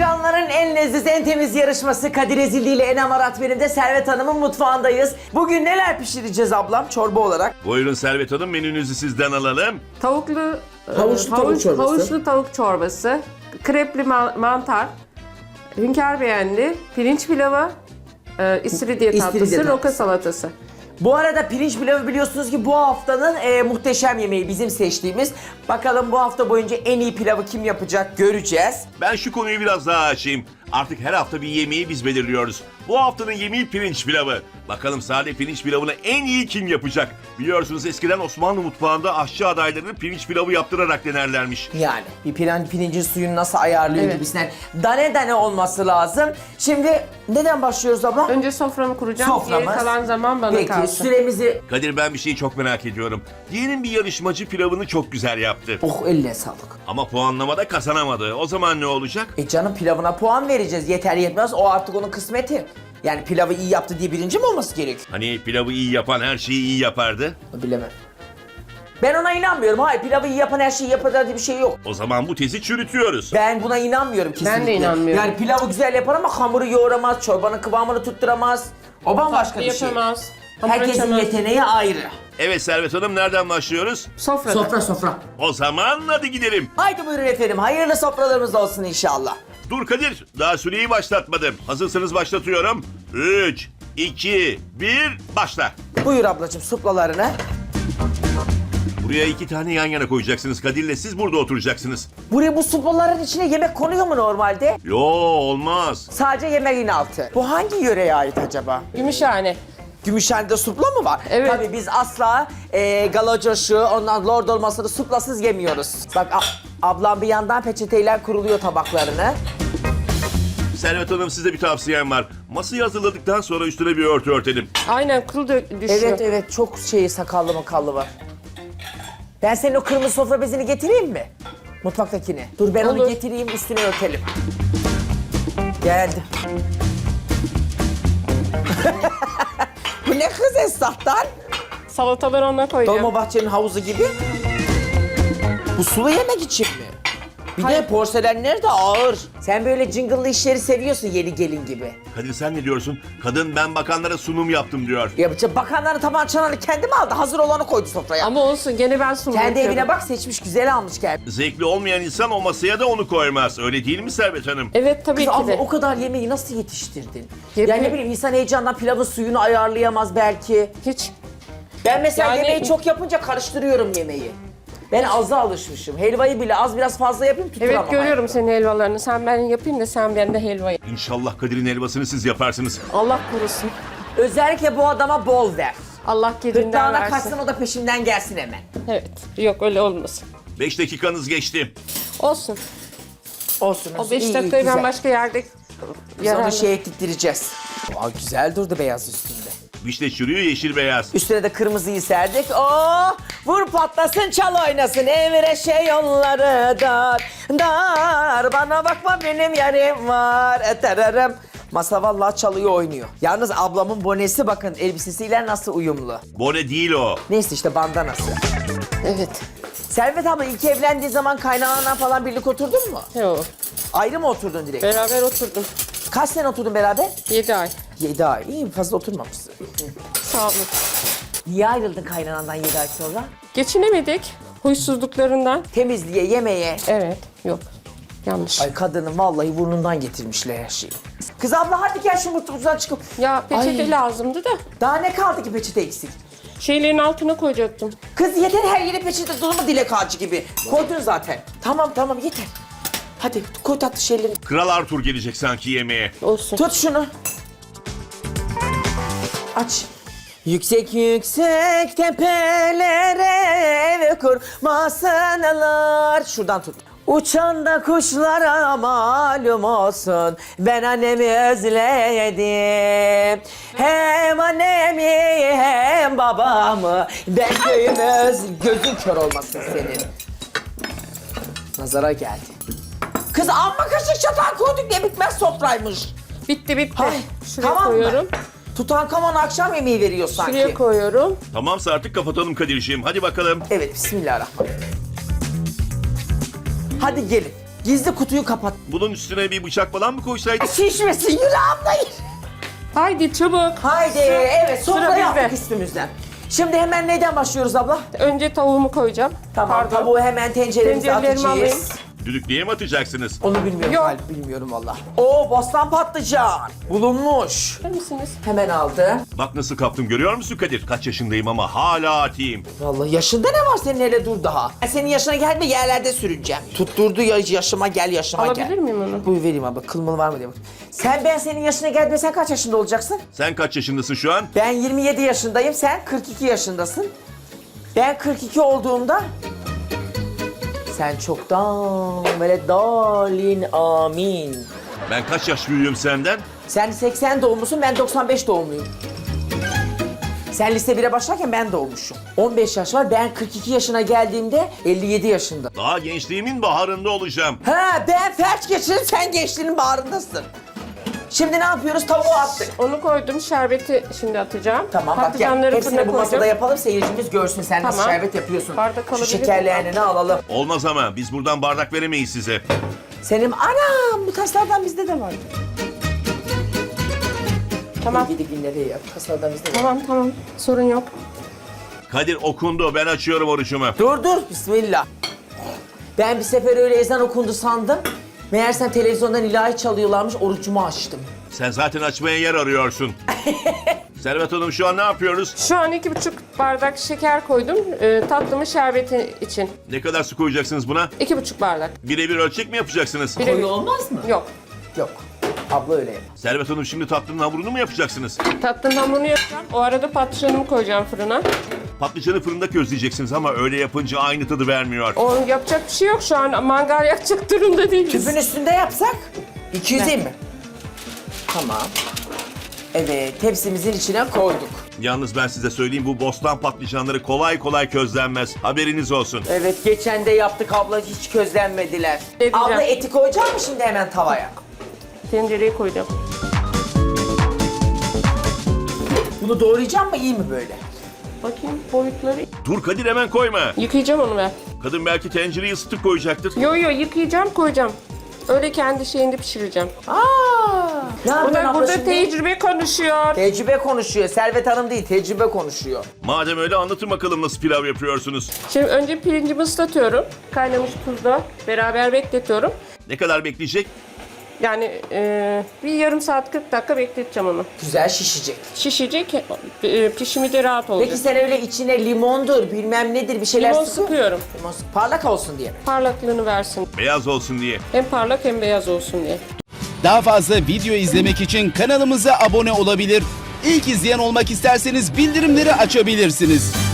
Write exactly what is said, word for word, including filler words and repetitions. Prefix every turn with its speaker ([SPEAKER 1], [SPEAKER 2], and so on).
[SPEAKER 1] Ekranların en leziz, en temiz yarışması Kadir Ezildi ile Enem Arat benim de Servet Hanım'ın mutfağındayız. Bugün neler pişireceğiz ablam çorba olarak?
[SPEAKER 2] Buyurun Servet Hanım, menünüzü sizden alalım.
[SPEAKER 3] Tavuklu
[SPEAKER 1] Havuçlu
[SPEAKER 3] e,
[SPEAKER 1] tavuk
[SPEAKER 3] havuç-
[SPEAKER 1] çorbası.
[SPEAKER 3] havuçlu tavuk çorbası, krepli ma- mantar, hünkâr beğendi, pirinç pilavı, e, istiridye
[SPEAKER 1] İstiridye
[SPEAKER 3] tatlısı,
[SPEAKER 1] tatlısı.
[SPEAKER 3] roka salatası.
[SPEAKER 1] Bu arada pirinç pilavı biliyorsunuz ki bu haftanın e, muhteşem yemeği bizim seçtiğimiz. Bakalım bu hafta boyunca en iyi pilavı kim yapacak göreceğiz.
[SPEAKER 2] Ben şu konuyu biraz daha açayım. Artık her hafta bir yemeği biz belirliyoruz. Bu haftanın yemeği pirinç pilavı. Bakalım sade pirinç pilavını en iyi kim yapacak? Biliyorsunuz eskiden Osmanlı mutfağında aşçı adaylarını pirinç pilavı yaptırarak denerlermiş.
[SPEAKER 1] Yani bir pirinç, pirincin suyunu nasıl ayarlıyor
[SPEAKER 3] Evet.
[SPEAKER 1] gibisinden. Dane dane olması lazım. Şimdi neden başlıyoruz abla?
[SPEAKER 3] Önce soframı kuracağım,
[SPEAKER 1] Soframız.
[SPEAKER 3] geri kalan zaman bana
[SPEAKER 1] Peki
[SPEAKER 3] kalsın.
[SPEAKER 1] süremizi...
[SPEAKER 2] Kadir, ben bir şeyi çok merak ediyorum. Diyelim bir yarışmacı pilavını çok güzel yaptı.
[SPEAKER 1] Oh eline sağlık.
[SPEAKER 2] Ama puanlamada kazanamadı. O zaman ne olacak?
[SPEAKER 1] E canım pilavına puan vereceğiz. Yeter yetmez o artık onun kısmeti. Yani pilavı iyi yaptı diye birinci mi olması gerek?
[SPEAKER 2] Hani pilavı iyi yapan her şeyi iyi yapardı.
[SPEAKER 1] Bilemem. Ben ona inanmıyorum. Hayır pilavı iyi yapan her şeyi yapar diye bir şey yok.
[SPEAKER 2] O zaman bu tezi çürütüyoruz.
[SPEAKER 1] Ben buna inanmıyorum kesinlikle.
[SPEAKER 3] Ben de inanmıyorum.
[SPEAKER 1] Yani pilavı güzel yapar ama hamuru yoğuramaz, çorbanın kıvamını tutturamaz. O bambaşka
[SPEAKER 3] Tatlı
[SPEAKER 1] bir şey.
[SPEAKER 3] yapamaz. hamur
[SPEAKER 1] Herkesin
[SPEAKER 3] açamaz.
[SPEAKER 1] yeteneği ayrı.
[SPEAKER 2] Evet Servet Hanım, nereden başlıyoruz?
[SPEAKER 3] Sofrada.
[SPEAKER 1] Sofra sofra.
[SPEAKER 2] O zaman hadi gidelim.
[SPEAKER 1] Haydi buyurun efendim. Hayırlı sofralarımız olsun inşallah.
[SPEAKER 2] Dur Kadir, daha süreyi başlatmadım. Hazırsanız başlatıyorum. üç, iki, bir, başla.
[SPEAKER 1] Buyur ablacığım suplalarını.
[SPEAKER 2] Buraya iki tane yan yana koyacaksınız Kadir'le, siz burada oturacaksınız.
[SPEAKER 1] Buraya bu suplaların içine yemek konuyor mu normalde?
[SPEAKER 2] Yo, olmaz.
[SPEAKER 1] Sadece yemeğin altı. Bu hangi yöreye ait acaba?
[SPEAKER 3] Gümüşhane.
[SPEAKER 1] Gümüşhane'de supla mı var?
[SPEAKER 3] Evet.
[SPEAKER 1] Tabii biz asla e, galocoşu, ondan lord olmasını suplasız yemiyoruz. Bak a- ablam bir yandan peçeteyle kuruluyor tabaklarını.
[SPEAKER 2] Servet Hanım, size bir tavsiyem var. Masayı hazırladıktan sonra üstüne bir örtü örtelim.
[SPEAKER 3] Aynen kıl dö- düşüyor.
[SPEAKER 1] Evet evet çok şey sakallı makallı var. Ben senin o kırmızı sofra bezini getireyim mi? Mutfaktakini. Dur ben onu
[SPEAKER 3] Olur.
[SPEAKER 1] getireyim üstüne örtelim. Geldi. Bu ne kız Esnaf'tan?
[SPEAKER 3] Salataları ona koyacağım.
[SPEAKER 1] Dolmabahçe'nin havuzu gibi. Bu sulu yemek için mi? Bir de
[SPEAKER 3] Hayır.
[SPEAKER 1] porselenler de ağır. Sen böyle cıngıllı işleri seviyorsun yeni gelin gibi.
[SPEAKER 2] Kadir, sen ne diyorsun? Kadın ben bakanlara sunum yaptım diyor.
[SPEAKER 1] Ya bu bakanların taban çanağını kendi mi aldı? Hazır olanı koydu sofraya.
[SPEAKER 3] Ama olsun gene ben sunum
[SPEAKER 1] Kendi
[SPEAKER 3] yapıyorum.
[SPEAKER 1] evine bak seçmiş güzel almış geldi.
[SPEAKER 2] Zevkli olmayan insan o masaya da onu koymaz. Öyle değil mi Servet Hanım?
[SPEAKER 3] Evet tabii
[SPEAKER 1] Kız
[SPEAKER 3] ki
[SPEAKER 1] abla
[SPEAKER 3] de.
[SPEAKER 1] o kadar yemeği nasıl yetiştirdin?
[SPEAKER 3] Yep-
[SPEAKER 1] Yani ne bileyim insan heyecandan pilavın suyunu ayarlayamaz belki.
[SPEAKER 3] Hiç.
[SPEAKER 1] Ben mesela
[SPEAKER 3] Yani-
[SPEAKER 1] yemeği çok yapınca karıştırıyorum yemeği. Ben aza alışmışım. Helvayı bile az biraz fazla yapayım tutturamam.
[SPEAKER 3] Evet görüyorum senin helvalarını. Sen ben yapayım da sen bende helva yap.
[SPEAKER 2] İnşallah Kadir'in helvasını siz yaparsınız.
[SPEAKER 3] Allah korusun.
[SPEAKER 1] Özellikle bu adama bol ver.
[SPEAKER 3] Allah gecinden
[SPEAKER 1] Gırtlağına
[SPEAKER 3] versin.
[SPEAKER 1] kaçsın o da peşimden gelsin hemen.
[SPEAKER 3] Evet. Yok öyle olmasın.
[SPEAKER 2] Beş dakikanız geçti.
[SPEAKER 3] Olsun.
[SPEAKER 1] Olsun.
[SPEAKER 3] O
[SPEAKER 1] olsun.
[SPEAKER 3] beş
[SPEAKER 1] İyi, iyi,
[SPEAKER 3] dakikayı ben
[SPEAKER 1] güzel.
[SPEAKER 3] başka yerde
[SPEAKER 1] Biz onu
[SPEAKER 3] yararlı-
[SPEAKER 1] şey ettireceğiz. Aa, güzel durdu beyaz üstünde.
[SPEAKER 2] Vişne çürüyor, yeşil beyaz.
[SPEAKER 1] Üstüne de kırmızıyı serdik. Oo, vur patlasın çal oynasın evre şey yolları dar. Dar bana bakma benim yarim var. Eterarım. Masa vallahi çalıyor oynuyor. Yalnız ablamın bonesi bakın elbisesiyle nasıl uyumlu.
[SPEAKER 2] Bone değil o.
[SPEAKER 1] Neyse işte bandanası.
[SPEAKER 3] Evet.
[SPEAKER 1] Servet abla ilk evlendiği zaman kaynananla falan birlik oturdun mu?
[SPEAKER 3] Yok.
[SPEAKER 1] Ayrı mı oturdun direkt?
[SPEAKER 3] Beraber oturdum.
[SPEAKER 1] Kaç sene oturdun beraber?
[SPEAKER 3] Yedi ay.
[SPEAKER 1] Yedi ay. İyi fazla oturmamışsın.
[SPEAKER 3] Sağ olun.
[SPEAKER 1] Niye ayrıldın kaynanandan yedi ay sonra?
[SPEAKER 3] Geçinemedik. Huysuzluklarından.
[SPEAKER 1] Temizliğe, yemeğe.
[SPEAKER 3] Evet. Yok. Yanlış.
[SPEAKER 1] Ay kadının vallahi burnundan getirmişler her şeyi. Kız abla hadi gel şu mutfaktan çıkıp.
[SPEAKER 3] Ya peçete
[SPEAKER 1] Ay.
[SPEAKER 3] lazımdı da
[SPEAKER 1] Daha ne kaldı ki peçete eksik?
[SPEAKER 3] şeylerin altına koyacaktım.
[SPEAKER 1] Kız yeter her yere peçete dolu mu dilek ağacı gibi. Koydun zaten. Tamam tamam yeter. Hadi koy tatlı şeyleri.
[SPEAKER 2] Kral Arthur gelecek sanki yemeğe.
[SPEAKER 3] Olsun.
[SPEAKER 1] Tut şunu. Aç. Yüksek yüksek tepelere ev kurmasınlar. Şuradan tut. Uçan da kuşlara malum olsun. Ben annemi özledim. Hem annemi hem babamı. Ben köyümü öz... Gözün kör olmasın senin. Nazara geldi. Kız amma kaşık çatal koyduk ne bitmez sofraymış.
[SPEAKER 3] Bitti bitti.
[SPEAKER 1] Hay,
[SPEAKER 3] Şuraya
[SPEAKER 1] tamam
[SPEAKER 3] koyuyorum.
[SPEAKER 1] mı? Tutankamon akşam yemeği veriyor sanki.
[SPEAKER 3] Şuraya koyuyorum.
[SPEAKER 2] Tamamsa artık kapatalım Kadir'ciğim. Hadi bakalım.
[SPEAKER 1] Evet, bismillahirrahmanirrahim. Hadi gelin. Gizli kutuyu kapat.
[SPEAKER 2] Bunun üstüne bir bıçak falan mı koysaydık?
[SPEAKER 1] Şişmesin yürü abla yürü.
[SPEAKER 3] Haydi çabuk.
[SPEAKER 1] Haydi evet
[SPEAKER 3] Sıra
[SPEAKER 1] sofra yaptık
[SPEAKER 3] bizde.
[SPEAKER 1] üstümüzden. Şimdi hemen neyden başlıyoruz abla?
[SPEAKER 3] Önce tavuğumu koyacağım.
[SPEAKER 1] Tamam
[SPEAKER 3] Pardon.
[SPEAKER 1] tavuğu hemen tenceremize
[SPEAKER 3] Tencerelerimi
[SPEAKER 1] atacağız.
[SPEAKER 3] alayım.
[SPEAKER 2] Düdüklüye mi atacaksınız?
[SPEAKER 1] Onu bilmiyorum
[SPEAKER 3] Yok.
[SPEAKER 1] Galip, bilmiyorum valla. Oo bostan patlıcan bulunmuş.
[SPEAKER 3] Verir misiniz?
[SPEAKER 1] Hemen aldı.
[SPEAKER 2] Bak nasıl kaptım görüyor musun Kadir? Kaç yaşındayım ama hala atayım.
[SPEAKER 1] Vallahi yaşında ne var senin, hele dur daha. Ben senin yaşına gelme yerlerde sürüneceğim. Tutturdu ya, yaşıma gel yaşıma gel.
[SPEAKER 3] Alabilir miyim onu?
[SPEAKER 1] Buyur vereyim abla, kılmalı var mı diye bak. Sen ben senin yaşına geldiğinde sen kaç yaşında olacaksın?
[SPEAKER 2] Sen kaç yaşındasın şu an?
[SPEAKER 1] Ben yirmi yedi yaşındayım, sen kırk iki yaşındasın. Ben kırk iki olduğumda... Sen çoktan böyle dalin amin.
[SPEAKER 2] Ben kaç yaş büyüğüm senden?
[SPEAKER 1] Sen seksen doğumlusun, ben doksan beş doğumluyum. Sen lise bire başlarken ben doğmuşum. on beş yaş var, ben kırk iki yaşına geldiğimde elli yedi yaşında.
[SPEAKER 2] Daha gençliğimin baharında olacağım.
[SPEAKER 1] Ha ben felç geçirdim, sen gençliğinin bağrındasın. Şimdi ne yapıyoruz? Tavuğu attık.
[SPEAKER 3] Onu koydum. Şerbeti şimdi atacağım.
[SPEAKER 1] Tamam bak gel,
[SPEAKER 3] Patlıcanları
[SPEAKER 1] hepsini
[SPEAKER 3] fırına
[SPEAKER 1] bu masada
[SPEAKER 3] koydum.
[SPEAKER 1] yapalım, seyircimiz görsün sen nasıl
[SPEAKER 3] Tamam.
[SPEAKER 1] şerbet yapıyorsun.
[SPEAKER 3] Bardak
[SPEAKER 1] Şu
[SPEAKER 3] alabilir
[SPEAKER 1] şekerlerini alalım.
[SPEAKER 2] Olmaz ama biz buradan bardak veremeyiz size.
[SPEAKER 1] Senin anam bu taslardan bizde de var.
[SPEAKER 3] Tamam.
[SPEAKER 1] Gidi günleri yap, taslardan bizde de var.
[SPEAKER 3] Tamam tamam. Sorun yok.
[SPEAKER 2] Kadir okundu ben açıyorum orucumu.
[SPEAKER 1] Dur dur, bismillah. Ben bir sefer öyle ezan okundu sandım. Meğersem televizyondan ilahi çalıyorlarmış, orucumu açtım.
[SPEAKER 2] Sen zaten açmaya yer arıyorsun. Servet Hanım şu an ne yapıyoruz?
[SPEAKER 3] Şu an iki buçuk bardak şeker koydum. E, tatlımı şerbeti için.
[SPEAKER 2] Ne kadar su koyacaksınız buna?
[SPEAKER 3] İki buçuk bardak.
[SPEAKER 2] Birebir ölçek mi yapacaksınız?
[SPEAKER 3] Birebir.
[SPEAKER 1] Koyu olmaz mı?
[SPEAKER 3] Yok.
[SPEAKER 1] Yok. Abla öyle yapar.
[SPEAKER 2] Servet Hanım şimdi tatlının hamurunu mu yapacaksınız?
[SPEAKER 3] Tatlının hamurunu yapacağım. O arada patlıcanımı koyacağım fırına.
[SPEAKER 2] Patlıcanı fırında közleyeceksiniz ama öyle yapınca aynı tadı vermiyor.
[SPEAKER 3] O yapacak bir şey yok şu an. Mangal yakacak durumda değiliz.
[SPEAKER 1] Tüpün üstünde yapsak iki yüz mi? Tamam. Evet, tepsimizin içine koyduk.
[SPEAKER 2] Yalnız ben size söyleyeyim bu bostan patlıcanları kolay kolay közlenmez. Haberiniz olsun.
[SPEAKER 1] Evet, geçen de yaptık abla, hiç közlenmediler.
[SPEAKER 3] Edeceğim.
[SPEAKER 1] Abla eti koyacak mı şimdi hemen tavaya?
[SPEAKER 3] Tencereye koydum.
[SPEAKER 1] Bunu doğrayacağım mı, iyi mi böyle?
[SPEAKER 3] Bakayım boyutları.
[SPEAKER 2] Dur Kadir hemen koyma.
[SPEAKER 3] Yıkayacağım onu ben.
[SPEAKER 2] Kadın belki tencereyi ısıtıp koyacaktır.
[SPEAKER 3] Yo yo yıkayacağım koyacağım. Öyle kendi şeyinde pişireceğim.
[SPEAKER 1] Aa! Ne yapıyorsun
[SPEAKER 3] Bunlar
[SPEAKER 1] abla
[SPEAKER 3] burada
[SPEAKER 1] şimdi?
[SPEAKER 3] tecrübe konuşuyor.
[SPEAKER 1] Tecrübe konuşuyor. Servet Hanım değil, tecrübe konuşuyor.
[SPEAKER 2] Madem öyle anlatın bakalım nasıl pilav yapıyorsunuz.
[SPEAKER 3] Şimdi önce pirincimi ıslatıyorum. Kaynamış tuzla beraber bekletiyorum.
[SPEAKER 2] Ne kadar bekleyecek?
[SPEAKER 3] Yani e, bir yarım saat kırk dakika bekleteceğim onu.
[SPEAKER 1] Güzel şişecek.
[SPEAKER 3] Şişecek, e, pişimi de rahat olacak.
[SPEAKER 1] Peki sen öyle içine limondur, bilmem nedir bir şeyler
[SPEAKER 3] Limon
[SPEAKER 1] sıkıyor.
[SPEAKER 3] sıkıyorum.
[SPEAKER 1] Limon sık- parlak olsun diye mi?
[SPEAKER 3] Parlaklığını versin.
[SPEAKER 2] Beyaz olsun diye.
[SPEAKER 3] Hem parlak hem beyaz olsun diye.
[SPEAKER 4] Daha fazla video izlemek için kanalımıza abone olabilir. İlk izleyen olmak isterseniz bildirimleri açabilirsiniz.